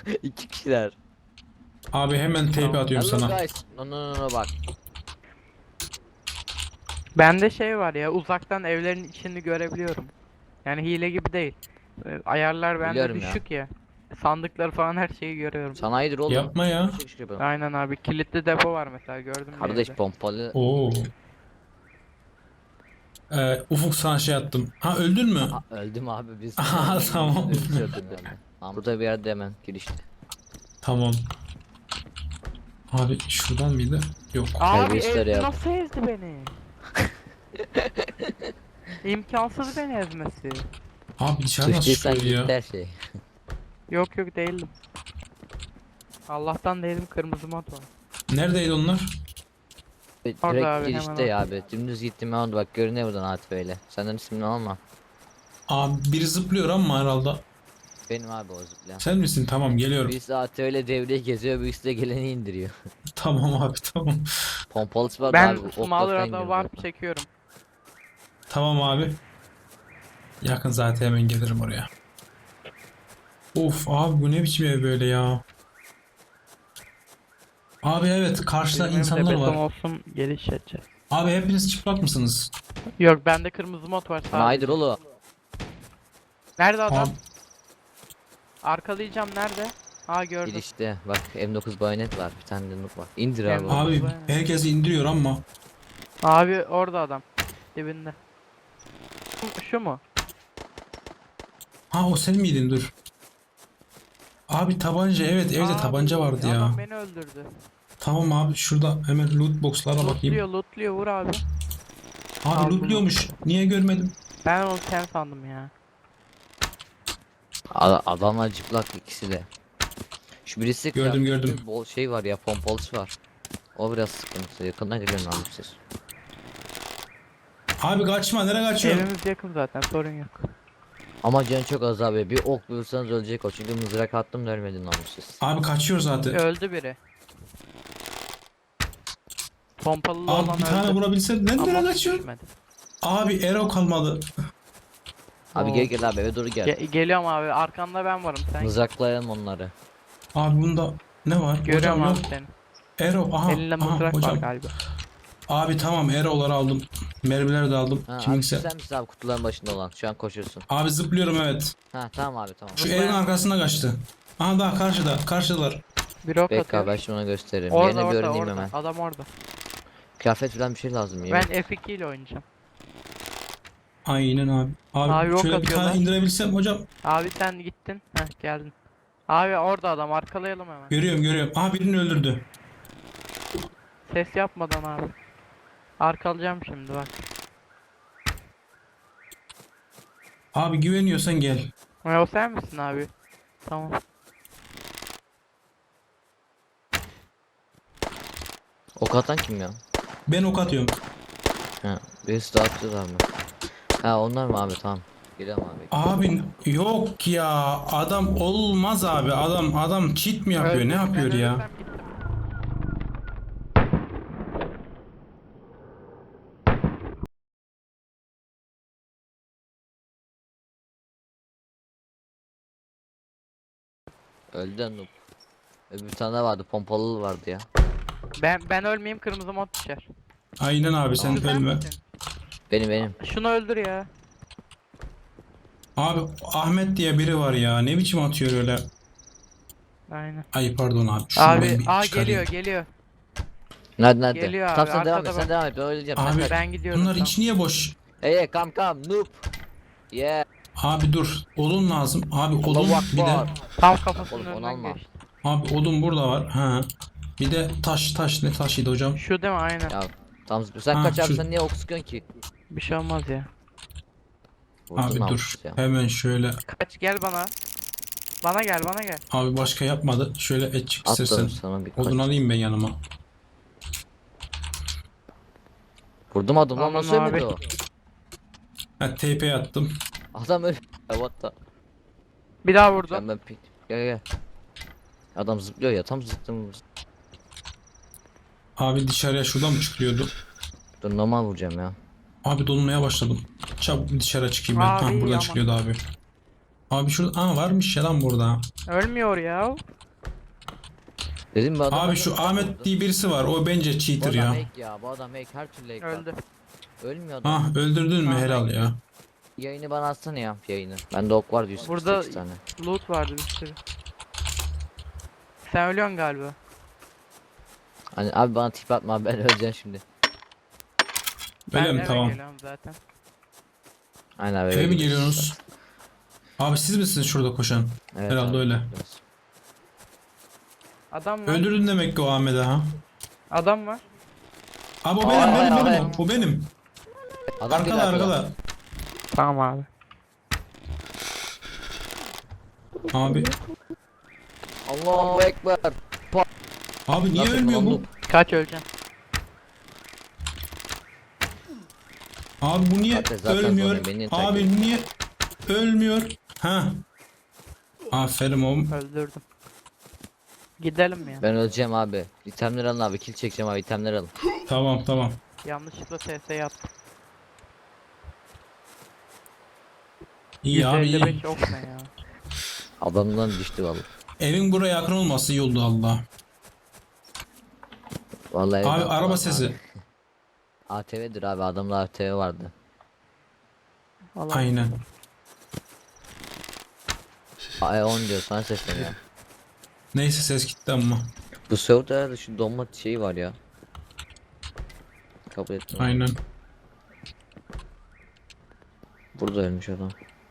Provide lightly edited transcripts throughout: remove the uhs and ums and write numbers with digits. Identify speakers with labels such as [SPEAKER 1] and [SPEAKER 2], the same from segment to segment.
[SPEAKER 1] İki kişiler.
[SPEAKER 2] Abi hemen TP atıyorum
[SPEAKER 1] Hello
[SPEAKER 2] sana.
[SPEAKER 1] guys. No no no no bak.
[SPEAKER 3] Bende şey var ya, uzaktan evlerin içini görebiliyorum. Yani hile gibi değil. Ayarlar bende
[SPEAKER 1] Biliyorum ya.
[SPEAKER 3] düşük ya. Sandıkları falan her şeyi görüyorum.
[SPEAKER 1] Sanayidir oğlum.
[SPEAKER 2] Yapma ya.
[SPEAKER 1] Şık şık yapalım.
[SPEAKER 3] Aynen abi, kilitli depo var mesela, gördüm bir
[SPEAKER 1] Kardeş
[SPEAKER 3] evde.
[SPEAKER 1] pompalı.
[SPEAKER 2] Oo. Ufuk sana şey attım. Ha öldün mü?
[SPEAKER 1] Aa, öldüm abi biz.
[SPEAKER 2] Aha, tamam.
[SPEAKER 1] Öldürdüm yani. Tamam, burada bir yerde hemen girişte.
[SPEAKER 2] Tamam. Abi şuradan mıydı? Yok.
[SPEAKER 3] Abi
[SPEAKER 1] Terbiyesizler
[SPEAKER 3] ezdi,
[SPEAKER 1] ya.
[SPEAKER 3] nasıl ezdi beni? İmkansız beni ezmesi.
[SPEAKER 2] Abi dışarı nasıl
[SPEAKER 1] Sıçtıysan
[SPEAKER 2] çıkıyor
[SPEAKER 1] gitti
[SPEAKER 2] ya?
[SPEAKER 1] her şey.
[SPEAKER 3] Yok yok, değildim. Allah'tan değilim, kırmızı mod var.
[SPEAKER 2] Neredeydi onlar?
[SPEAKER 3] Orada
[SPEAKER 1] Direkt
[SPEAKER 3] abi,
[SPEAKER 1] girişte
[SPEAKER 3] hemen
[SPEAKER 1] ya abi. Dümdüz gittim ben bak görünüyor buradan Atif öyle. Senden ismini alma.
[SPEAKER 2] Abi biri zıplıyor ama herhalde.
[SPEAKER 1] Benim abi o zıplayan.
[SPEAKER 2] Sen misin? Tamam geliyorum.
[SPEAKER 1] Birisi Atif öyle devreye geziyor, birisi de geleni indiriyor.
[SPEAKER 2] Tamam abi tamam.
[SPEAKER 1] Pompalısı var da
[SPEAKER 3] ben
[SPEAKER 1] abi. okla falan
[SPEAKER 3] Smaller'da
[SPEAKER 1] gidiyor
[SPEAKER 3] warp
[SPEAKER 1] zaten.
[SPEAKER 3] çekiyorum.
[SPEAKER 2] Tamam abi. Yakın zaten hemen gelirim oraya. Of abi bu ne biçim ev böyle ya. Abi evet karşıda
[SPEAKER 3] Bizim
[SPEAKER 2] insanlar
[SPEAKER 3] beton
[SPEAKER 2] var.
[SPEAKER 3] olsun, geliş edeceğiz.
[SPEAKER 2] Abi hepiniz çıplak mısınız?
[SPEAKER 3] Yok, bende kırmızı mod var sadece.
[SPEAKER 1] Sanayidir oğlum.
[SPEAKER 3] Nerede adam?
[SPEAKER 2] Abi,
[SPEAKER 3] Arkalayacağım, nerede? Ha, gördüm.
[SPEAKER 1] Girişte bak M9 bayonet var, bir tane de noob var. İndir abi.
[SPEAKER 3] M9.
[SPEAKER 1] onu.
[SPEAKER 2] abi herkes indiriyor ama.
[SPEAKER 3] Abi orada adam. Dibinde. Şu mu?
[SPEAKER 2] Ha o sen miydin dur. Abi tabanca evet evde
[SPEAKER 3] Abi,
[SPEAKER 2] tabanca vardı ya.
[SPEAKER 3] Adam beni öldürdü.
[SPEAKER 2] Tamam abi şurada hemen loot box'lara bakayım.
[SPEAKER 3] Lootluyor, vur abi.
[SPEAKER 2] Abi
[SPEAKER 3] Aldım.
[SPEAKER 2] lootluyormuş. Niye görmedim?
[SPEAKER 3] Ben onu sen sandım ya.
[SPEAKER 1] Adamlar cıplak ikisi de. Şu birisi
[SPEAKER 2] Gördüm,
[SPEAKER 1] kıyafetli
[SPEAKER 2] gördüm.
[SPEAKER 1] bol şey var ya, pompalısı var. O biraz sıkıntı. Yakından geliyorum abi siz.
[SPEAKER 2] Abi kaçma nereye kaçıyorsun?
[SPEAKER 3] Evimiz yakın zaten, sorun yok.
[SPEAKER 1] Ama canı çok az abi. Bir ok vursanız ölecek o. Çünkü mızrak attım da ölmedin namussuz.
[SPEAKER 2] Abi kaçıyor zaten.
[SPEAKER 3] Öldü biri. Pompalı
[SPEAKER 2] Abi
[SPEAKER 3] olan
[SPEAKER 2] bir tane
[SPEAKER 3] öldü.
[SPEAKER 2] vurabilsen nereye
[SPEAKER 3] Ama
[SPEAKER 2] kaçıyorsun?
[SPEAKER 3] düşmedi.
[SPEAKER 2] Abi arrow kalmadı.
[SPEAKER 1] Abi
[SPEAKER 3] Oo.
[SPEAKER 1] gel abi eve doğru gel.
[SPEAKER 3] Geliyorum abi, arkanda ben varım, sen.
[SPEAKER 1] Mızraklayalım onları.
[SPEAKER 2] Abi bunda ne var?
[SPEAKER 3] Görüyorum
[SPEAKER 2] Hocam
[SPEAKER 3] abi
[SPEAKER 2] yok.
[SPEAKER 3] seni.
[SPEAKER 2] Arrow aha.
[SPEAKER 3] Elinde
[SPEAKER 2] Aha
[SPEAKER 3] mızrak var
[SPEAKER 2] hocam.
[SPEAKER 3] galiba.
[SPEAKER 2] Abi tamam arrow'ları aldım. Mermileri de aldım.
[SPEAKER 1] Ha, abi
[SPEAKER 2] Kimse.
[SPEAKER 1] sen misin abi kutuların başında olan? Şu an koşuyorsun.
[SPEAKER 2] Abi zıplıyorum evet.
[SPEAKER 1] Ha tamam abi tamam.
[SPEAKER 2] Şu evin arkasına kaçtı. Aha daha karşıda. Karşıdalar.
[SPEAKER 3] Bir ok
[SPEAKER 1] Bekle abi ben
[SPEAKER 3] atıyor.
[SPEAKER 1] şimdi ona gösteririm.
[SPEAKER 3] Orada
[SPEAKER 1] Yerine bir
[SPEAKER 3] orada
[SPEAKER 1] öğreneyim
[SPEAKER 3] orada.
[SPEAKER 1] hemen.
[SPEAKER 3] Adam orada.
[SPEAKER 1] Kıyafet falan bir şey lazım yemin.
[SPEAKER 3] Ben F2 ile oynayacağım.
[SPEAKER 2] Aynen abi. Abi,
[SPEAKER 3] Abi ok
[SPEAKER 2] şöyle bir tane
[SPEAKER 3] atıyorlar.
[SPEAKER 2] indirebilsem hocam.
[SPEAKER 3] Abi sen gittin. Heh, geldin. Abi orada adam, arkalayalım hemen.
[SPEAKER 2] Görüyorum. Aha birini öldürdü.
[SPEAKER 3] Ses yapmadan abi. Arkalayacağım şimdi bak.
[SPEAKER 2] Abi güveniyorsan gel.
[SPEAKER 3] O sen misin abi? Tamam.
[SPEAKER 1] Ok atan kim ya?
[SPEAKER 2] Ben ok atıyorum.
[SPEAKER 1] Ha birisi daha atıyorlar mı? Ha onlar mı abi tamam. Gidelim abi.
[SPEAKER 2] Abi yok ya. Adam olmaz abi. Adam cheat mi yapıyor?
[SPEAKER 3] Öldüm,
[SPEAKER 2] Ne yapıyor
[SPEAKER 3] ben
[SPEAKER 2] ya?
[SPEAKER 3] ölürsem gittim.
[SPEAKER 1] Öldü de noob. Bir tane daha vardı pompalı vardı ya.
[SPEAKER 3] Ben ölmeyeyim, kırmızı mod düşer.
[SPEAKER 2] Aynen abi sen
[SPEAKER 3] Şu sen
[SPEAKER 2] ölme.
[SPEAKER 3] misin?
[SPEAKER 1] Benim.
[SPEAKER 3] Şunu öldür ya.
[SPEAKER 2] Abi Ahmet diye biri var ya. Ne biçim atıyor öyle?
[SPEAKER 3] Aynen.
[SPEAKER 2] Ay pardon abi. Şunu ben
[SPEAKER 3] Abi
[SPEAKER 2] bir çıkarayım.
[SPEAKER 3] geliyor.
[SPEAKER 1] Nerede?
[SPEAKER 3] Geliyor abi,
[SPEAKER 1] Tamam sen devam et
[SPEAKER 3] arkada
[SPEAKER 1] sen devam et ben öleceğim.
[SPEAKER 2] Abi,
[SPEAKER 1] Sen
[SPEAKER 3] Ben gidiyorum.
[SPEAKER 2] Bunlar
[SPEAKER 3] tamam.
[SPEAKER 2] içi niye boş?
[SPEAKER 1] hey come noob. Yeah.
[SPEAKER 2] Abi dur. Odun lazım. Abi odun
[SPEAKER 1] Allahu
[SPEAKER 2] bir de.
[SPEAKER 1] Akbar.
[SPEAKER 3] Tam kafasının
[SPEAKER 1] Oğlum, onu
[SPEAKER 3] önünden
[SPEAKER 1] alma.
[SPEAKER 3] geçti.
[SPEAKER 2] Abi odun burada var. Ha. Bir de taş ne taşıydı hocam?
[SPEAKER 3] Şu değil mi? Aynen.
[SPEAKER 1] Ya tam zıplıyor. Sen
[SPEAKER 2] Ha,
[SPEAKER 1] kaç abi
[SPEAKER 2] şu-
[SPEAKER 1] sen niye ok sıkıyorsun ki?
[SPEAKER 3] Bir şey olmaz ya.
[SPEAKER 1] Vurdun
[SPEAKER 2] Abi dur.
[SPEAKER 1] namussuz ya.
[SPEAKER 2] Hemen şöyle.
[SPEAKER 3] Kaç, gel bana. Bana gel.
[SPEAKER 2] Abi başka yapmadı. Şöyle et çık istersen.
[SPEAKER 1] Atladım sana bir
[SPEAKER 2] Odun
[SPEAKER 1] kaç.
[SPEAKER 2] alayım ben yanıma.
[SPEAKER 1] Vurdum adamı lan
[SPEAKER 3] Aman
[SPEAKER 1] nasıl ölmedi
[SPEAKER 3] abi.
[SPEAKER 1] o?
[SPEAKER 2] Ha TP attım.
[SPEAKER 1] Adam öldü. What the?
[SPEAKER 3] Bir daha
[SPEAKER 1] Sen
[SPEAKER 3] vurdum.
[SPEAKER 1] ben pik. Gel. Adam zıplıyor ya tam zıttım.
[SPEAKER 2] Abi dışarıya şuradan mı çıkıyordu?
[SPEAKER 1] Dur normal vuracağım ya.
[SPEAKER 2] Abi dolmaya başladım. Çabuk dışarı çıkayım ben.
[SPEAKER 3] Abi,
[SPEAKER 2] Ha buradan
[SPEAKER 3] ama-
[SPEAKER 2] çıkıyordu abi. Abi şurada varmış ya lan burada.
[SPEAKER 3] Ölmüyor ya.
[SPEAKER 1] Dedim bu adam
[SPEAKER 2] Abi şu Ahmet diye birisi var. O bence
[SPEAKER 1] Bu
[SPEAKER 2] cheater
[SPEAKER 1] adam
[SPEAKER 2] ya.
[SPEAKER 1] hack ya. Bu adam hack, her türlü hack var.
[SPEAKER 3] Öldü.
[SPEAKER 1] Ölmüyor adam.
[SPEAKER 2] Ah öldürdün mü?
[SPEAKER 3] Tamam,
[SPEAKER 2] Helal ya.
[SPEAKER 1] Yayını bana atsana ya, yayını. Bende ok vardı 148
[SPEAKER 3] Burada
[SPEAKER 1] tane.
[SPEAKER 3] loot vardı bir sürü. Sen ölüyorsun galiba.
[SPEAKER 1] Hani abi bana tip atma abi, ben öleceğim şimdi.
[SPEAKER 2] Öyle mi?
[SPEAKER 3] eve
[SPEAKER 2] Tamam.
[SPEAKER 3] geliyorum zaten.
[SPEAKER 1] Aynen abi.
[SPEAKER 2] Eve mi geliyorsunuz? Abi siz misiniz şurada koşan?
[SPEAKER 1] Evet,
[SPEAKER 2] Herhalde
[SPEAKER 1] abi,
[SPEAKER 2] öyle.
[SPEAKER 1] biraz.
[SPEAKER 3] Adam var.
[SPEAKER 2] Öldürdün demek ki o Ahmet'i ha.
[SPEAKER 3] Adam var.
[SPEAKER 2] Abi o
[SPEAKER 1] Aa,
[SPEAKER 2] benim.
[SPEAKER 1] evet.
[SPEAKER 2] O benim.
[SPEAKER 1] Adam
[SPEAKER 2] Arkada
[SPEAKER 1] geliyor
[SPEAKER 2] arkada.
[SPEAKER 3] Tamam abi.
[SPEAKER 2] Abi.
[SPEAKER 1] Allahu Ekber.
[SPEAKER 2] Abi niye
[SPEAKER 1] Nasıl
[SPEAKER 2] ölmüyor bu?
[SPEAKER 1] kullandım?
[SPEAKER 3] Kaç öleceksin?
[SPEAKER 2] Abi bu niye
[SPEAKER 1] Zaten
[SPEAKER 2] ölmüyor?
[SPEAKER 1] sonra beni takip
[SPEAKER 2] Abi niye ölmüyor? Ha. Aferin oğlum.
[SPEAKER 3] Öldürdüm. Gidelim ya.
[SPEAKER 1] Ben öleceğim abi. İtemleri alın abi, kill çekeceğim abi, itemleri alın.
[SPEAKER 2] Tamam.
[SPEAKER 3] Yanlışlıkla TS'ye attım.
[SPEAKER 2] İyi abi iyi.
[SPEAKER 3] 155 ok ne ya?
[SPEAKER 1] Adamdan düştü vallahi.
[SPEAKER 2] Evin buraya yakın olması iyi oldu Allah.
[SPEAKER 1] Vallahi
[SPEAKER 2] Abi
[SPEAKER 1] evden
[SPEAKER 2] araba
[SPEAKER 1] falan
[SPEAKER 2] sesi.
[SPEAKER 1] abi. ATV'dir abi, adamda ATV vardı.
[SPEAKER 3] Allah.
[SPEAKER 2] Aynen.
[SPEAKER 1] AE10 diyor, sana sesleniyor.
[SPEAKER 2] Neyse ses gitti ama.
[SPEAKER 1] Bu serverda herhalde şu donma şeyi var ya. Kabul ettim.
[SPEAKER 2] Aynen.
[SPEAKER 1] Burada ölmüş adam.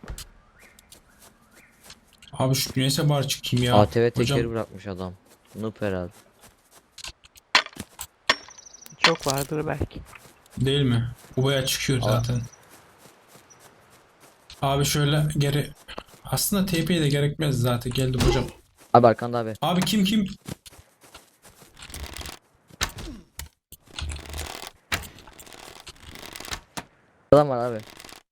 [SPEAKER 2] Abi şu neyse bari çıkayım ya.
[SPEAKER 1] ATV tekeri
[SPEAKER 2] Hocam
[SPEAKER 1] bırakmış adam. Noob herhalde.
[SPEAKER 3] Çok vardır belki.
[SPEAKER 2] değil mi? Bu baya çıkıyor
[SPEAKER 1] Aa.
[SPEAKER 2] zaten. Abi şöyle geri. Aslında TP'ye de gerekmez zaten. Geldim hocam.
[SPEAKER 1] Abi arkanda abi.
[SPEAKER 2] Abi kim?
[SPEAKER 1] Adam var abi.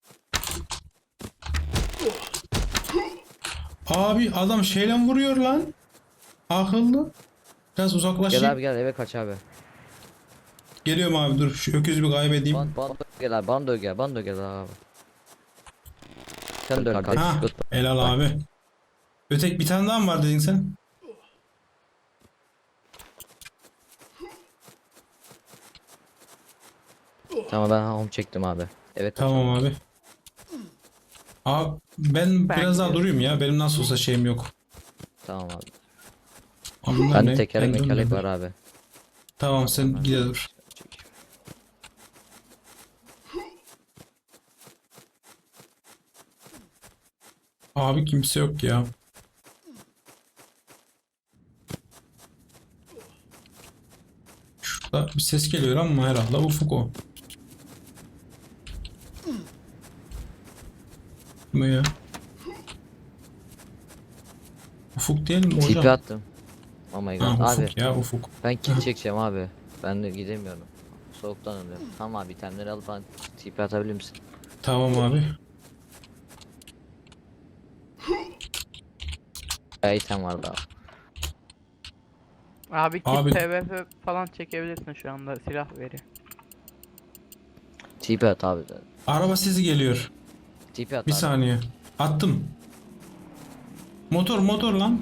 [SPEAKER 2] Abi adam şeyle vuruyor lan. Akıllı. Biraz
[SPEAKER 1] Gel
[SPEAKER 2] uzaklaşayım.
[SPEAKER 1] abi gel, eve kaç abi.
[SPEAKER 2] Geliyorum abi dur. Şu öküzü bir kaybedeyim.
[SPEAKER 1] Bana da gel abi, bana da gel, bana da gel abi. Sen de öl kardeş.
[SPEAKER 2] Ha, helal abi. Ötek bir tane daha mı var dedin sen?
[SPEAKER 1] Tamam, ben home çektim abi. Evet.
[SPEAKER 2] Tamam abi. Abi ben
[SPEAKER 3] Ben
[SPEAKER 2] biraz daha
[SPEAKER 3] gidiyorum.
[SPEAKER 2] durayım ya. Benim nasıl olsa şeyim yok.
[SPEAKER 1] Tamam abi.
[SPEAKER 2] Abi bunlar
[SPEAKER 1] Bende
[SPEAKER 2] ne?
[SPEAKER 1] tekerlek
[SPEAKER 2] Ben
[SPEAKER 1] mekerlek
[SPEAKER 2] durmuyorum.
[SPEAKER 1] var abi.
[SPEAKER 2] Tamam sen gide dur. Abi kimse yok ya. Şurada bir ses geliyor ama herhalde Ufuk o. Kim o ya? Ufuk değil mi
[SPEAKER 1] TP
[SPEAKER 2] hocam?
[SPEAKER 1] attım. Oh my god.
[SPEAKER 2] Ha,
[SPEAKER 1] Abi
[SPEAKER 2] Ufuk ya Ufuk.
[SPEAKER 1] ben kill çekeceğim abi. Ben de gidemiyorum. Soğuktan ölüyorum. Tamam abi, itemleri alıp bana TP atabilir misin?
[SPEAKER 2] Tamam abi.
[SPEAKER 1] Ya item vardı abi.
[SPEAKER 3] Abi kit
[SPEAKER 2] Abi-
[SPEAKER 3] PvP falan çekebilirsin şu anda, silah veriyor.
[SPEAKER 1] TP at abi.
[SPEAKER 2] Araba sesi geliyor.
[SPEAKER 1] TP at
[SPEAKER 2] Bir
[SPEAKER 1] abi.
[SPEAKER 2] saniye. Attım. Motor lan.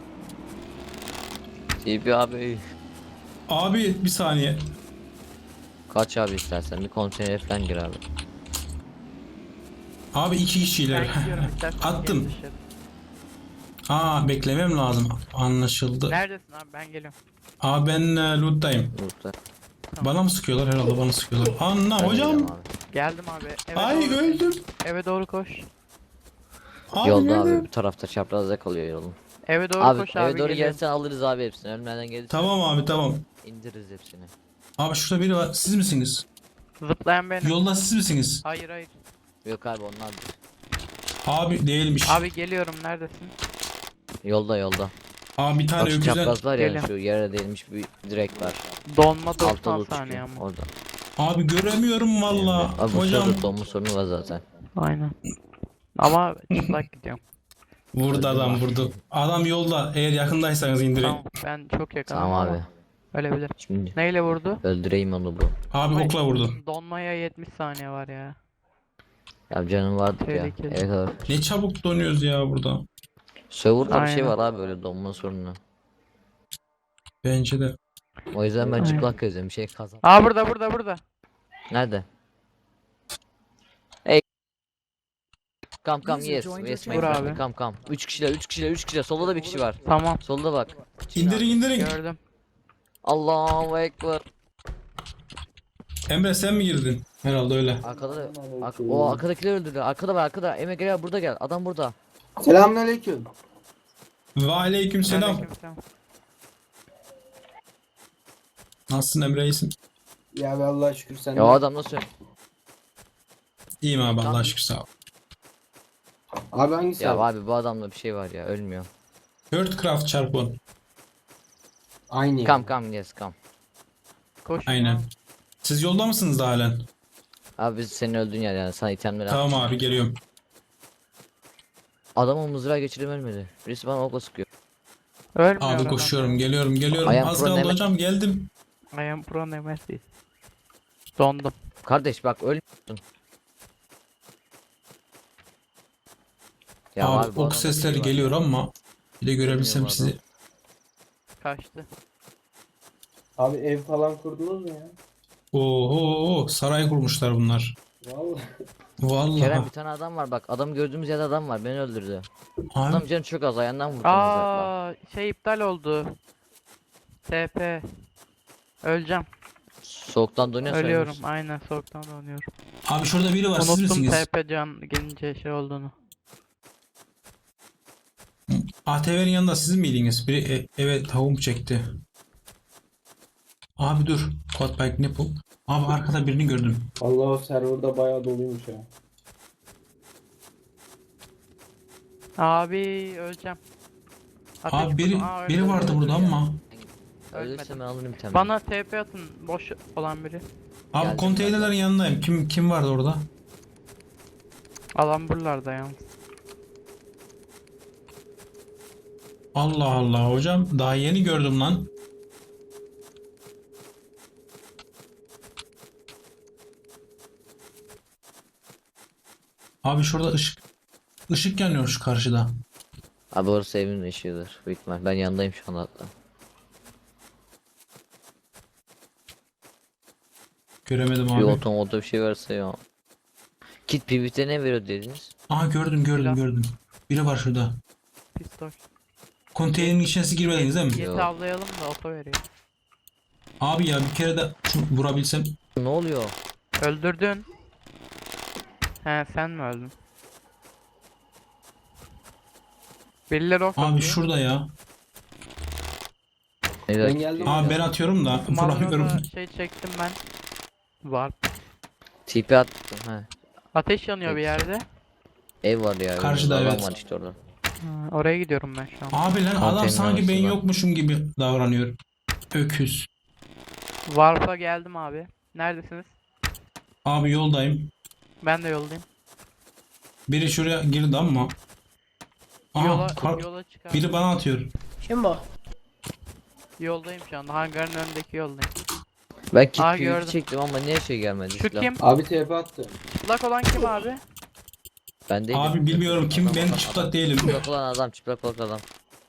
[SPEAKER 1] TP abi.
[SPEAKER 2] Abi bir saniye.
[SPEAKER 1] Kaç abi istersen, bir konteynere falan gir abi.
[SPEAKER 2] Abi iki kişiler.
[SPEAKER 3] Ben gidiyorum, istersen
[SPEAKER 2] Attım.
[SPEAKER 3] gel dışarı.
[SPEAKER 2] Aa beklemem lazım. Anlaşıldı.
[SPEAKER 3] Neredesin abi, ben geliyorum.
[SPEAKER 2] Abi ben loot'tayım.
[SPEAKER 1] Burada.
[SPEAKER 2] Bana mı sıkıyorlar? Herhalde bana sıkıyorlar. Anla
[SPEAKER 1] Ben
[SPEAKER 2] hocam.
[SPEAKER 1] geliyorum abi.
[SPEAKER 3] Geldim abi. Eve
[SPEAKER 2] Ay
[SPEAKER 3] doğru,
[SPEAKER 2] öldüm.
[SPEAKER 3] eve doğru koş.
[SPEAKER 2] Abi
[SPEAKER 1] Yolda
[SPEAKER 2] nerede?
[SPEAKER 1] abi, bu tarafta çaprazda kalıyor yolun.
[SPEAKER 3] Eve doğru
[SPEAKER 1] Abi
[SPEAKER 3] koş
[SPEAKER 1] eve
[SPEAKER 3] abi.
[SPEAKER 1] doğru
[SPEAKER 3] geliyorum.
[SPEAKER 1] gelsen alırız abi hepsini. Ölmeden gelirsen
[SPEAKER 2] Tamam abi tamam.
[SPEAKER 1] indiririz hepsini.
[SPEAKER 2] Abi şurada biri var. Siz misiniz?
[SPEAKER 3] Zıplayan benim.
[SPEAKER 2] Yolda siz misiniz?
[SPEAKER 3] Hayır hayır.
[SPEAKER 1] Yok abi, onlardır.
[SPEAKER 2] Abi değilmiş.
[SPEAKER 3] Abi geliyorum, neredesin?
[SPEAKER 1] Yolda.
[SPEAKER 2] Abi bir tane
[SPEAKER 1] Bak şu
[SPEAKER 2] öküzden.
[SPEAKER 1] çapraz var ya,
[SPEAKER 3] Geliyorum.
[SPEAKER 1] şu yere değilmiş bir direk var.
[SPEAKER 3] Donma
[SPEAKER 1] Altta
[SPEAKER 3] 90
[SPEAKER 1] loot
[SPEAKER 3] saniye
[SPEAKER 1] çıkıyor
[SPEAKER 3] ama.
[SPEAKER 1] orada.
[SPEAKER 2] Abi göremiyorum valla.
[SPEAKER 1] Abi bu
[SPEAKER 2] Hocam.
[SPEAKER 1] sırada donma sorunu var zaten.
[SPEAKER 3] Aynen. Ama çıplak gidiyorum.
[SPEAKER 2] Vurdu adam vurdu. Adam yolda. Eğer yakındaysanız indirin.
[SPEAKER 3] Tamam, ben çok yakınım
[SPEAKER 1] Tamam
[SPEAKER 3] ama
[SPEAKER 1] abi.
[SPEAKER 3] ölebilir.
[SPEAKER 1] Şimdi
[SPEAKER 3] Neyle vurdu?
[SPEAKER 1] öldüreyim onu bu.
[SPEAKER 2] Abi
[SPEAKER 3] Ay,
[SPEAKER 2] okla vurdu.
[SPEAKER 3] Donmaya 70 saniye var ya.
[SPEAKER 1] Ya canım vardı ya.
[SPEAKER 3] Tehlikeli.
[SPEAKER 1] Evet abi.
[SPEAKER 2] Ne çabuk donuyoruz ya burada.
[SPEAKER 1] Server'da bir şey
[SPEAKER 3] Aynen.
[SPEAKER 1] var abi böyle donma sorunu.
[SPEAKER 2] Bence de.
[SPEAKER 1] O yüzden ben
[SPEAKER 3] Aynen.
[SPEAKER 1] çıplak gezdim. Bir şey kazan.
[SPEAKER 3] Aa burada.
[SPEAKER 1] Nerede? Hey. Come
[SPEAKER 4] User
[SPEAKER 1] yes.
[SPEAKER 4] joined
[SPEAKER 1] Yes
[SPEAKER 4] your
[SPEAKER 1] my
[SPEAKER 3] channel.
[SPEAKER 1] friend.
[SPEAKER 3] Vur abi.
[SPEAKER 1] Come. 3 kişiler 3 kişiler. Solda da bir kişi var.
[SPEAKER 3] Tamam,
[SPEAKER 1] Solda bak.
[SPEAKER 2] İndirin.
[SPEAKER 3] gördüm.
[SPEAKER 1] Allahu Ekber.
[SPEAKER 2] Emre sen mi girdin? Herhalde öyle.
[SPEAKER 1] Arkada da o arkadakiler öldürdü. Arkada var arkada. Emre gel burada gel. Adam burada.
[SPEAKER 5] Selamünaleyküm.
[SPEAKER 2] Ve aleyküm selam.
[SPEAKER 3] Aleykümselam.
[SPEAKER 2] Nasılsın Emre, iyisin?
[SPEAKER 5] Ya be Allah'a şükür sen
[SPEAKER 1] Ya o
[SPEAKER 5] de.
[SPEAKER 1] adam nasıl?
[SPEAKER 2] İyiyim abi, Allah'a
[SPEAKER 1] Tamam.
[SPEAKER 2] şükür, sağ ol.
[SPEAKER 5] Abi hangisi
[SPEAKER 1] Ya
[SPEAKER 5] abi?
[SPEAKER 1] abi bu adamda bir şey var ya ölmüyor.
[SPEAKER 2] Birdcraft çarpı 10.
[SPEAKER 5] Aynı ya.
[SPEAKER 1] Come yes come.
[SPEAKER 3] Koş.
[SPEAKER 2] Aynen. Siz yolda mısınız da halen?
[SPEAKER 1] Abi biz senin öldüğün yer yani sana itemleri at.
[SPEAKER 2] Tamam abi, geliyorum.
[SPEAKER 1] Adamı mızrağı geçirip ölmedi. Birisi bana okla sıkıyor.
[SPEAKER 3] Ölmüyor
[SPEAKER 2] Abi
[SPEAKER 3] adam.
[SPEAKER 2] koşuyorum, geliyorum.
[SPEAKER 1] I am
[SPEAKER 2] Az
[SPEAKER 1] pro
[SPEAKER 2] kaldı
[SPEAKER 1] Nemesis.
[SPEAKER 2] hocam, geldim.
[SPEAKER 3] I am pro Nemesis. Dondum.
[SPEAKER 1] Kardeş bak ölmüyorsun. Ya
[SPEAKER 2] Abi
[SPEAKER 1] bu
[SPEAKER 2] ok
[SPEAKER 1] adamda bir
[SPEAKER 2] sesleri
[SPEAKER 1] şey var
[SPEAKER 2] geliyor
[SPEAKER 1] ya.
[SPEAKER 2] ama bir de görebilsem
[SPEAKER 1] Bilmiyorum
[SPEAKER 2] sizi.
[SPEAKER 3] Kaçtı.
[SPEAKER 5] Abi ev falan kurdunuz mu ya?
[SPEAKER 2] Oo, saray kurmuşlar bunlar.
[SPEAKER 5] Vallahi.
[SPEAKER 1] Kerem
[SPEAKER 2] Vallahi.
[SPEAKER 1] bir tane adam var bak. Adam gördüğümüz yerde adam var. Beni öldürdü.
[SPEAKER 2] Abi,
[SPEAKER 1] Adam canı çok az ayağından vurdu mızrakla.
[SPEAKER 3] Aa, şey iptal oldu. TP. Öleceğim.
[SPEAKER 1] Soğuktan donuyor
[SPEAKER 3] Ölüyorum. Aynen soğuktan donuyorum.
[SPEAKER 2] abi şurada biri var, siz
[SPEAKER 3] Unuttum
[SPEAKER 2] misiniz?
[SPEAKER 3] TP can gelince şey olduğunu.
[SPEAKER 2] ATV'nin yanında siz miydiniz? Biri eve tavuğum çekti. Abi dur. Codebike ne bu? Abi arkada birini gördüm.
[SPEAKER 5] Allah o serverda bayağı doluymuş ya.
[SPEAKER 3] Abi öleceğim. Ateş
[SPEAKER 2] Abi biri
[SPEAKER 3] vurdum. Aa,
[SPEAKER 2] biri
[SPEAKER 3] öldü,
[SPEAKER 2] vardı
[SPEAKER 3] öldü
[SPEAKER 2] burada
[SPEAKER 3] ya.
[SPEAKER 2] ama.
[SPEAKER 1] Ölürse ben alırım temel.
[SPEAKER 3] Bana TP atın. Boş olan biri.
[SPEAKER 2] Abi
[SPEAKER 1] Geldim
[SPEAKER 2] konteynerlerin yanındayım. Kim vardı orada?
[SPEAKER 3] Alan buralarda yalnız.
[SPEAKER 2] Allah Allah hocam, daha yeni gördüm lan. Abi şurada ışık yanıyor şu karşıda.
[SPEAKER 1] Abi orası evimin ışığıdır. Büyük ihtimal. Ben yanındayım şu anda hatta.
[SPEAKER 2] Göremedim
[SPEAKER 1] Bir
[SPEAKER 2] abi.
[SPEAKER 1] otomoda bir şey varsa ya. Kit PvP ne veriyor dediniz?
[SPEAKER 2] Aha, gördüm. Biri var şurada.
[SPEAKER 3] Pistol.
[SPEAKER 2] Konteynerin içine girmediniz değil mi?
[SPEAKER 3] Yeti avlayalım da oto veriyor.
[SPEAKER 2] Abi ya bir kere de şunu vurabilsem.
[SPEAKER 1] Ne oluyor?
[SPEAKER 3] Öldürdün. He sen mi öldün? Birileri ok
[SPEAKER 2] Abi
[SPEAKER 3] atıyor.
[SPEAKER 2] şurada ya.
[SPEAKER 1] Ne
[SPEAKER 5] Ben geldim.
[SPEAKER 2] Abi ben atıyorum da vuramıyorum.
[SPEAKER 3] Magnum'da şey çektim ben. Var.
[SPEAKER 1] TP attım he.
[SPEAKER 3] Ateş yanıyor bir yerde.
[SPEAKER 1] Ev var ya.
[SPEAKER 2] Karşıda,
[SPEAKER 1] adam
[SPEAKER 2] evet.
[SPEAKER 1] var işte orada.
[SPEAKER 3] Ha, oraya gidiyorum ben şu an.
[SPEAKER 2] Abi lan, adam
[SPEAKER 1] Konteyner
[SPEAKER 2] sanki ben
[SPEAKER 1] arası var.
[SPEAKER 2] yokmuşum gibi davranıyor. Öküz.
[SPEAKER 3] Warp'a geldim abi. Neredesiniz?
[SPEAKER 2] Abi yoldayım.
[SPEAKER 3] Ben de yoldayım.
[SPEAKER 2] Biri şuraya girdi ama. Aha,
[SPEAKER 3] Yola çıkar.
[SPEAKER 2] biri bana atıyor.
[SPEAKER 5] Kim bu?
[SPEAKER 3] Yoldayım şu anda. Hangarın önündeki yoldayım.
[SPEAKER 1] Ben kit
[SPEAKER 3] Aa,
[SPEAKER 1] PvP
[SPEAKER 3] gördüm.
[SPEAKER 1] çektim ama niye şey gelmedi?
[SPEAKER 3] Şu
[SPEAKER 1] silah?
[SPEAKER 3] kim?
[SPEAKER 5] Abi TP attı.
[SPEAKER 3] Çıplak olan kim abi?
[SPEAKER 1] Ben değilim.
[SPEAKER 2] Abi bilmiyorum kim,
[SPEAKER 1] Adam,
[SPEAKER 2] ben
[SPEAKER 1] adam,
[SPEAKER 2] çıplak
[SPEAKER 1] adam.
[SPEAKER 2] değilim.
[SPEAKER 1] Çıplak olan adam, çıplak olan adam.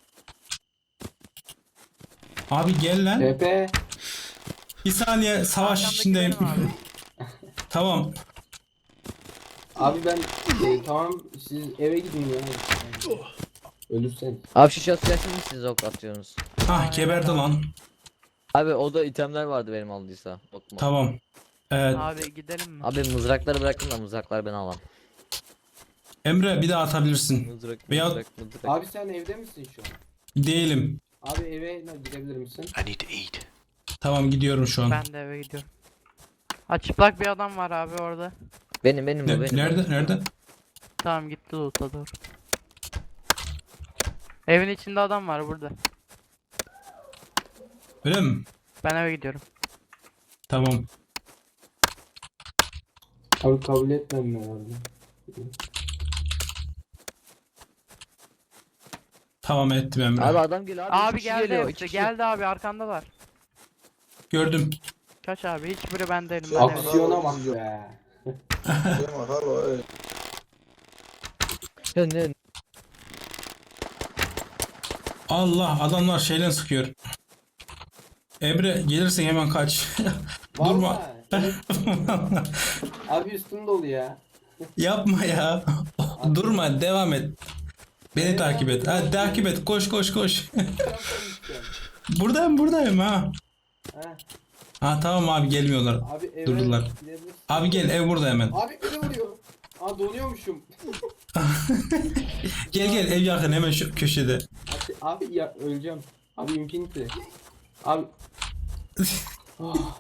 [SPEAKER 2] Abi gel lan.
[SPEAKER 5] TP.
[SPEAKER 2] Bir saniye, savaş
[SPEAKER 3] Arkamdaki
[SPEAKER 2] içindeyim.
[SPEAKER 3] benim abi.
[SPEAKER 2] Tamam.
[SPEAKER 5] Abi ben tamam siz eve gidin ya. Ölürsen.
[SPEAKER 1] Abi şu şahsı mi siz ok atıyorsunuz?
[SPEAKER 2] Ah, geberdi lan.
[SPEAKER 1] Abi o da itemler vardı benim aldıysa. Okuma.
[SPEAKER 2] Tamam. Evet.
[SPEAKER 3] Abi gidelim mi?
[SPEAKER 1] Abi mızrakları bırakın da mızrakları ben alam.
[SPEAKER 2] Emre bir daha atabilirsin.
[SPEAKER 1] Mızrak,
[SPEAKER 2] Veya-
[SPEAKER 1] mızrak.
[SPEAKER 5] Abi sen evde misin şu an?
[SPEAKER 2] Değilim.
[SPEAKER 5] Abi eve gidebilir misin?
[SPEAKER 2] Tamam, gidiyorum şu an.
[SPEAKER 3] Ben de eve gidiyorum. Ha çıplak bir adam var abi orada.
[SPEAKER 1] Benim bu benim.
[SPEAKER 2] Nerede?
[SPEAKER 3] Tamam gitti loot'a doğru. Evin içinde adam var burada.
[SPEAKER 2] Öyle mi?
[SPEAKER 3] Ben eve gidiyorum.
[SPEAKER 2] Tamam.
[SPEAKER 5] Abi kabul etmem herhalde.
[SPEAKER 2] Tamam, ettim Emre.
[SPEAKER 1] Abi adam geliyor abi.
[SPEAKER 3] Abi
[SPEAKER 1] iki kişi
[SPEAKER 3] geldi
[SPEAKER 1] geliyor,
[SPEAKER 3] hepsi.
[SPEAKER 1] iki kişi.
[SPEAKER 3] Geldi abi arkandalar.
[SPEAKER 2] Gördüm.
[SPEAKER 3] Kaç abi hiçbiri ben değilim. Ben eve.
[SPEAKER 5] Aksiyona bak be.
[SPEAKER 1] Ya ne?
[SPEAKER 2] Allah, adamlar şeyle sıkıyor. Emre gelirsen hemen kaç. Durma.
[SPEAKER 5] Vallahi. Evet. Abi üstüm dolu ya.
[SPEAKER 2] Yapma ya. Durma, devam et. Beni
[SPEAKER 5] Evet,
[SPEAKER 2] takip et.
[SPEAKER 5] abi,
[SPEAKER 2] Hadi takip et. Koş koş koş.
[SPEAKER 5] Yapmayacağım.
[SPEAKER 2] Buradayım ha.
[SPEAKER 5] Heh.
[SPEAKER 2] Ha tamam abi, gelmiyorlar.
[SPEAKER 5] Abi eve
[SPEAKER 2] Durdular.
[SPEAKER 5] gidebilirsin.
[SPEAKER 2] Abi gel, ev burada hemen.
[SPEAKER 5] Abi beni vuruyor. Aa donuyormuşum.
[SPEAKER 2] Gel ev yakın, hemen şu köşede.
[SPEAKER 5] Abi ya öleceğim. Abi infinity. Abi. Oh.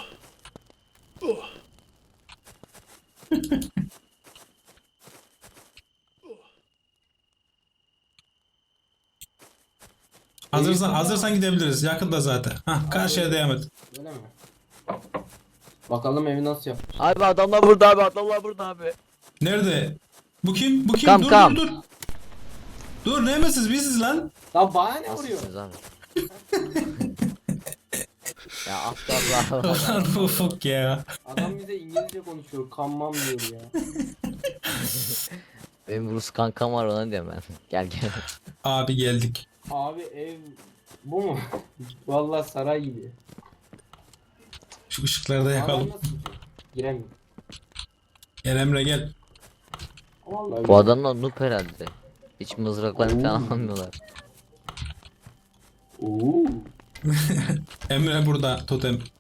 [SPEAKER 2] Hazırsan gidebiliriz. Yakında zaten. Hah, karşıya devam et.
[SPEAKER 5] Öyle mi? Bakalım evi nasıl yap.
[SPEAKER 1] Abi adamlar burada abi, adamlar burada abi.
[SPEAKER 2] Nerede? Bu kim? Bu kim?
[SPEAKER 1] Kam,
[SPEAKER 2] dur
[SPEAKER 1] kam.
[SPEAKER 2] dur dur. Dur, neymişsiz biziz lan?
[SPEAKER 5] Lan bana ne vuruyor?
[SPEAKER 1] Nasılsınız abi? Ya aptallar.
[SPEAKER 2] Lan bu Ufuk ya.
[SPEAKER 5] Adam bize İngilizce konuşuyor. Kanmam diyor ya.
[SPEAKER 1] Benim Rus kankam var, ona diyorum ben. Gel gel.
[SPEAKER 2] Abi geldik.
[SPEAKER 5] Abi ev bu mu? Vallahi saray gibi.
[SPEAKER 2] Şu ışıkları da
[SPEAKER 5] Adam
[SPEAKER 2] yakalım.
[SPEAKER 5] nasıl çıkıyor? Giremiyor.
[SPEAKER 2] Gel Emre gel.
[SPEAKER 5] Vallahi
[SPEAKER 1] Bu adamlar noob herhalde. Hiç mızraklarını falan almıyorlar.
[SPEAKER 5] Oo.
[SPEAKER 2] Emre burada totem.